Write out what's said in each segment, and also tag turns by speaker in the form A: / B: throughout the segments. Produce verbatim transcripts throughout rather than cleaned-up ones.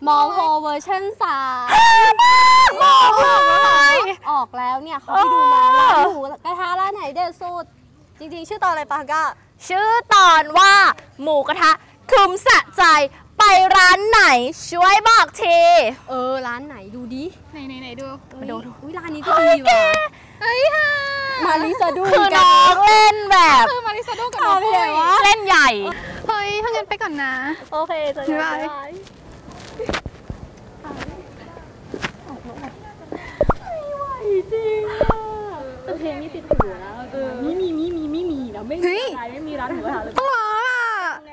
A: มอโฮเวอร์ชันสาม
B: บอกเลย
A: ออกแล้วเนี่ยเขาไปดูมาร้านหมูกระทะร้านไหนเด็ดสุดจริงๆชื่อตอนอะไรปะก็
B: ชื่อตอนว่าหมูกระทะคุ้มสะใจไปร้านไหนช่วยบอกที
A: เออร้านไหนดูดิ
C: ไหนไหนไหนดู
A: มาดูอุ้ยร้านนี้ก็ดีว่ะ
C: เฮ้ยค่ะ
A: มาริซาดู
B: คือน้องเล่นแบบ
C: คือมาริซาดูกับน้อง
B: เล่นใหญ่
C: เฮ้ยถ้างั้นไปก่อนนะ
A: โอเคเจอกันบ๊ายบายไม่ไหวจริงอ่ะเพลงนี้ติดหูแล้วมีมีมีมีมีมีแล้วไม่มีอะไรไม่มีร้านหมูกระทะเลย
C: ต้องร้องอ่ะ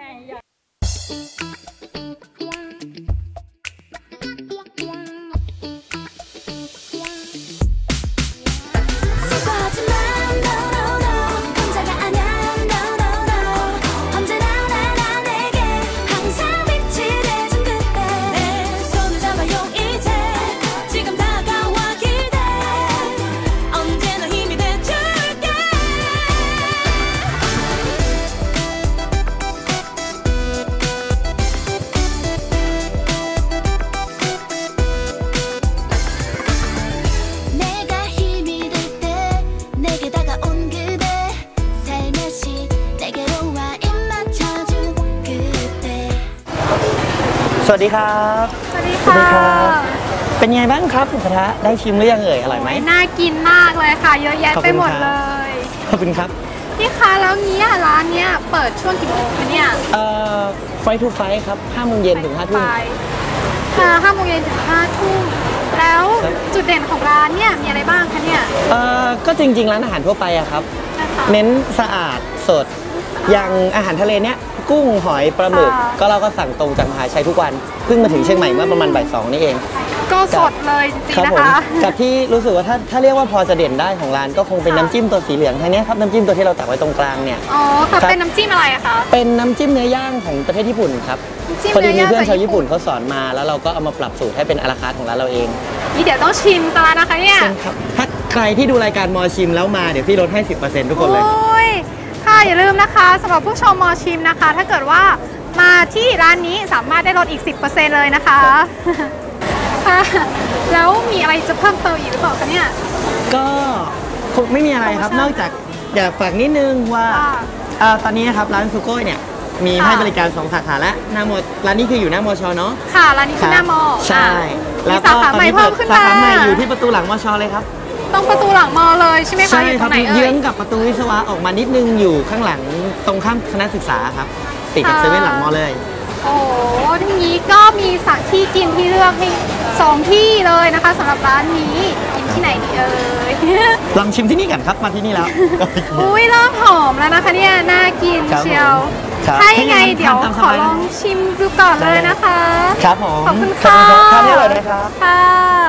D: สวัสดีครับ
C: สวัสดีค่ะ
D: เป็นไงบ้างครับหมูกระทะได้ชิมหรือยังเอ่ยอร่อยไหม
C: น่ากินมากเลยค่ะเยอะแยะไปหมดเลย
D: ขอบคุณครับ
C: พี่คะแล้วเนี้ยร้านเนี้ยเปิดช่วงกี่โมงคะเนี่ย
D: เอ่อไฟทูไฟครับห้าโมงเย็นถึงห้าทุ่ม
C: ค่ะห้าโมงเย็นถึงห้าทุ่มแล้วจุดเด่นของร้านเนี่ยมีอะไรบ้างคะเนี่ย
D: เอ่อก็จริงๆร้านอาหารทั่วไปอะครับเน้นสะอาดสดอย่างอาหารทะเลเนี้ยกุ้งหอยปลาหมึกก็เราก็สั่งตรงจากมหาชัยทุกวันเพิ่งมาถึงเชียงใหม่เมื่อประมาณบ่ายสองนี่เอง
C: ก็สดเลยจริงๆนะคะ
D: กับที่รู้สึกว่าถ้าถ้าเรียกว่าพอจะเด่นได้ของร้านก็คงเป็นน้ำจิ้มตัวสีเหลืองท่านี้ครับน้ำจิ้มตัวที่เราตักไว้ตรงกลางเนี่ย
C: อ๋อค่ะเป็นน้ำจิ้มอะไรอะคะ
D: เป็นน้ำจิ้มเนื้อย่างของประเทศญี่ปุ่นครับพอดีมีเพื่อนชาวญี่ปุ่นเขาสอนมาแล้วเราก็เอามาปรับสูตรให้เป็นอาราคาร์ทของร้านเราเอง
C: นี่เดี๋ยวต้องชิมกันแล้วนะคะเนี่ย
D: ถ้าใครที่ดูรายการมอชิมแล้วมาเดี๋ยวพี่ลดให้ สิบเปอร์เซ็นต์ ทุกคนเลย
C: ค่ะอย่าลืมนะคะสำหรับผู้ชมมอชิมนะคะถ้าเกิดว่ามาที่ร้านนี้สามารถได้ลดอีก สิบเปอร์เซ็นต์ เลยนะคะค่ะแล้วมีอะไรจะเพิ่มเติมอีกหรือเปล่าคะเนี่ย
D: ก็คงไม่มีอะไรครับนอกจากอยากฝากนิดนึงว่าตอนนี้นะครับร้านซูโก้เนี่ยมีให้บริการสองสาขาแล้วหน้ามอร้านนี้คืออยู่หน้ามอชเนาะ
C: ค่ะร้านนี้คือหน้ามอ
D: ใช่
C: แล้วสาขาใหม่เพิ่มขึ้นมา
D: สาขาใหม่อยู่ที่ประตูหลังมอชเลยครับ
C: ตรงประตูหลังมอเลยใช่ไหมคะ
D: ใช่ครับเยื้องกับประตูวิศวะออกมานิดนึงอยู่ข้างหลังตรงข้ามคณะศึกษาครับติดกับเซเว่นหลังมอเลย
C: โอ้ทีนี้ก็มีสถานที่กินที่เลือกให้สองที่เลยนะคะสำหรับร้านนี้กินที่ไหนดีเอ่ย
D: ลองชิมที่นี่กันครับมาที่นี่แล้ว
C: อุ้ยเริ่มหอมแล้วนะคะเนี่ยน่ากินเชียวถ้ายังไงเดี๋ยวขอลองชิมดูก่อนเลยนะคะ
D: ครับผม
C: ขอบคุณค่ะ
D: ทานได้เลยนะครับ
C: ค่ะ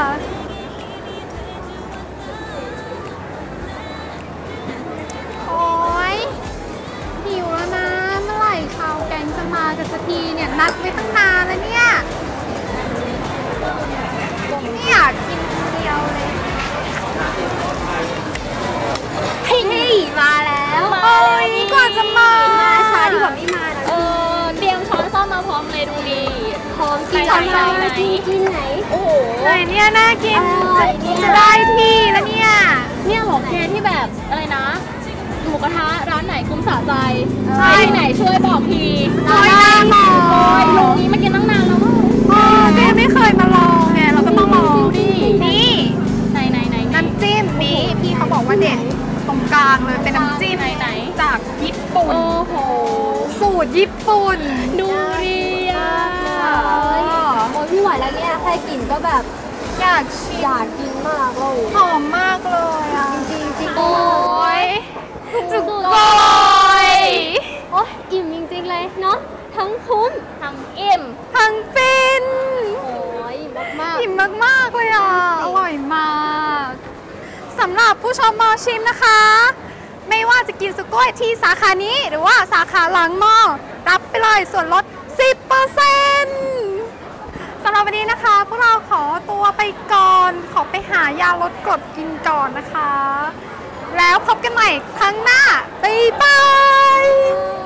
C: กันสักทีเนี่ยนัดไว้ตั้งนานแล้วเนี่ยไม่อยากกินคนเดียวเลย
A: เฮ้ยมาแล้ว
C: โอ้ยก่อนจะมา
A: มาช้าดีกว่าไม่มานะ
B: เออเตรียมช้อนซ่อมมาพร้อมเลยดูดี
A: พร้อมกินอะไรไหนกินไหน
B: โอ้โห
C: ไหนเนี่ยน่ากินจะได้ที่แล้วเนี่ย
B: เนี่ยหรอเคที่แบบอะไรนะหมูกระทะร้านไหนคุ้มสะใจใช่ไหนช่วยบอกที
C: ร้านหน้ามอ
B: ลุงนี้มากินตั้งนานแล้วมั้ง
C: แม่ไม่เคยมาลองไงเราก็ต้องลองนี่
B: ไหนไหนไหน
C: น้ำจิ้มนี้พี่เขาบอกว่าเด็ดตรงกลางเลยเป็นน้ำจิ้มจากญี่ปุ่น
B: โอ้โห
C: สูตรญี่ปุ่น
B: ดูดีอ่ะ
A: โอ้ยพี่ไหวแล้วเนี่ยแค่กินก็แบบ
C: อยาก
A: อยากกินมากเลย
C: หอมมากเลยอ่ะ
A: จริงจริง
C: โอ้ยสุดโกย
A: โอ้ยอิ่มจริงๆเลยเนาะทั้งคุ้ม
B: ทั้งอิ่ม
C: ทั้งฟิน
A: โอ้ยอิ่มมาก
C: ๆอิ่มมากๆเลยอ่ะอร่อยมากสำหรับผู้ชมมอชิมนะคะไม่ว่าจะกินสุโก้ยที่สาขานี้หรือว่าสาขาหลังมอรับไปเลยส่วนลด สิบเปอร์เซ็นต์ สำหรับวันนี้นะคะพวกเราขอตัวไปก่อนขอไปหายาลดกรดกินก่อนนะคะแล้วพบกันใหม่ครั้งหน้าบ๊ายบาย